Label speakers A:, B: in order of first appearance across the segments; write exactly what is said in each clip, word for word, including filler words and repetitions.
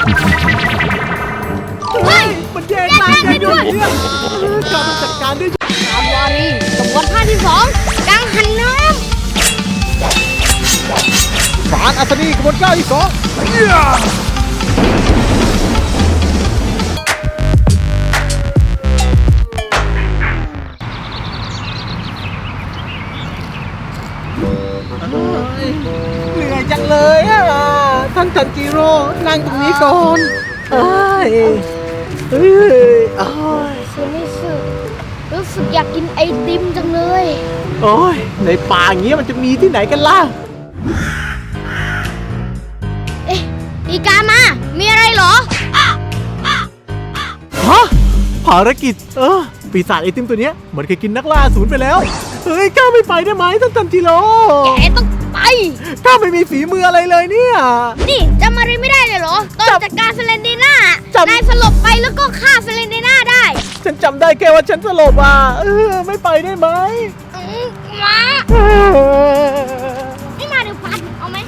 A: เฮ้ยมันแย่งนายได้ด้วยเนี่ยการมันจัดการด้วยการวารีกระบวนท่าที่สองกังหันน้ำการอัศนีกระบวนท่าที่สองเหนื่อยจังเลยอ่ะท่านจันจิโร่นั่งตรงนี้ก่อนเอ้ยเฮ้ยอ้ย
B: ฉันรู้สึกรู้สึกอยากกินไอติมจังเลย
A: โอ้ยในป่าอย่างเงี้ยมันจะมีที่ไหนกันล่ะ
B: เอ๊ะอีกามามีอะไรเหรอ
A: ฮะภารกิจเออปีศาจไอติมตัวเนี้ยเหมือนเคยกินนักล่าศูนย์ไปแล้วเฮ้ยก้าไม่ไปได้ไหมท่านจันจิโร่
B: แกต้องไป
A: ก้าไม่มีฝีมืออะไรเลยเนี่ย
B: นี่จำอะไรไม่ได้เลยเหรอตอนจัดการเฟรนเดน่า
A: จำ
B: นายสลบไปแล้วก็ฆ่าเฟรนเดน่าได้
A: ฉันจำได้แค่ว่าฉันสลบอ่ะเออไม่ไปได้ไหม
B: อืมมา
A: เออ
B: ไม่มาเดี๋ยวฟันเอาไหม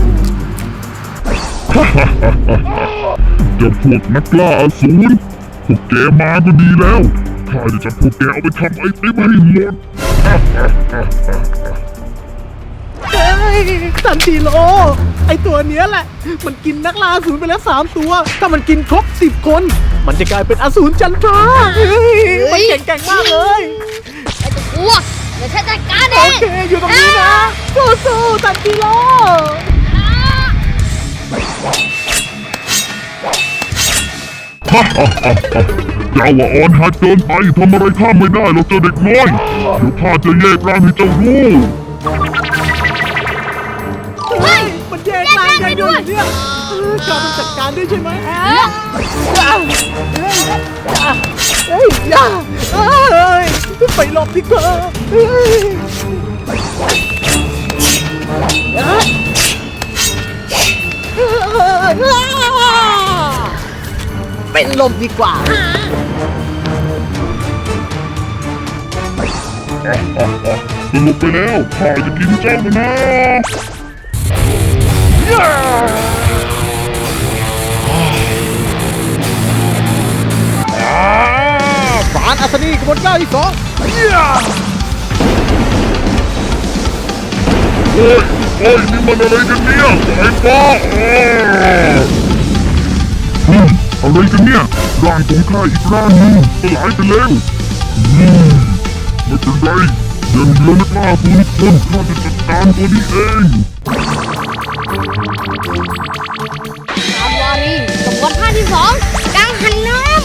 C: เจ้าพวกนักล่าอสูรพวกแกมาก็ดีแล้วข้าจะจับพวกแกเอาไปทำไอติมให้หมด
A: เฮ้ยจันจิโร่ไอตัวเนี้ยแหละมันกินนักล่าอสูรไปแล้วสามตัวถ้ามันกินครบสิบคนมันจะกลายเป็นอสูรจันทราเฮ้ยมันเก่งๆมากเลย
B: ไอ้ตัวกลัวเดี๋ยวฉันจัดการเอ
A: โอง เคอยู่ตรงนี้นะสู้ๆจันจิโร่
C: ฮ่าฮ่าฮ่าฮ่าเจ้าว่าอ่อนหัดเกินไปทำอะไรข้าไม่ได้หรอกเจ้าเด็กน้อยเดี๋ยวข้าจะแยกร่างให้เจ้ารู้
A: เฮ้ยมันแย่งนายได้ด้วยเนี่ยเออการมันจัดการด้วยใช่ไหมอย่าเฮ้ยอย่าเฮ้ยอย่าเฮ้ยไปหลบดีกว่าเฮ้ยเป็นลมดีกว่า
C: ฮ่าฮ่าฮ่าสรุปไปแล้วข้าจะกินเจ้านะ
A: ฝานอัศนีกระบวนท่าที่สอง
C: โอ้ยโอ้ยนี่มันอะไรกันเนี่ยไอ้ป้าอืมอะไรกันเนี่ยร่างของข้าอีกร่างหนึงสลายไปแล้วอืมไม่เป็นไรเดินเรือนักล่าตัวนี้คนข้าจะจัดการตัวนี้เอง
B: การวารีกระบวนท่าที่สองกังหันน้ำ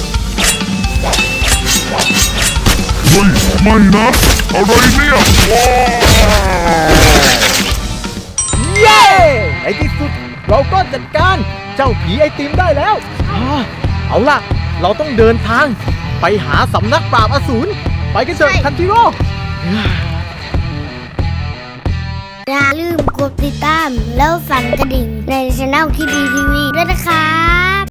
C: เฮ้ยไม่นะอะไรเนี่ยว้าว
A: เย้ในที่สุดเราก็จัดการเจ้าผีไอติมได้แล้วอ่าเอาล่ะ เราต้องเดินทางไปหาสำนักปราบอสูรไปกันเถอะคันจิโร่
B: อย่าลืมกดติดตามแล้วสั่นกระดิ่งในช่องที่ดีทีวีด้วยนะครับ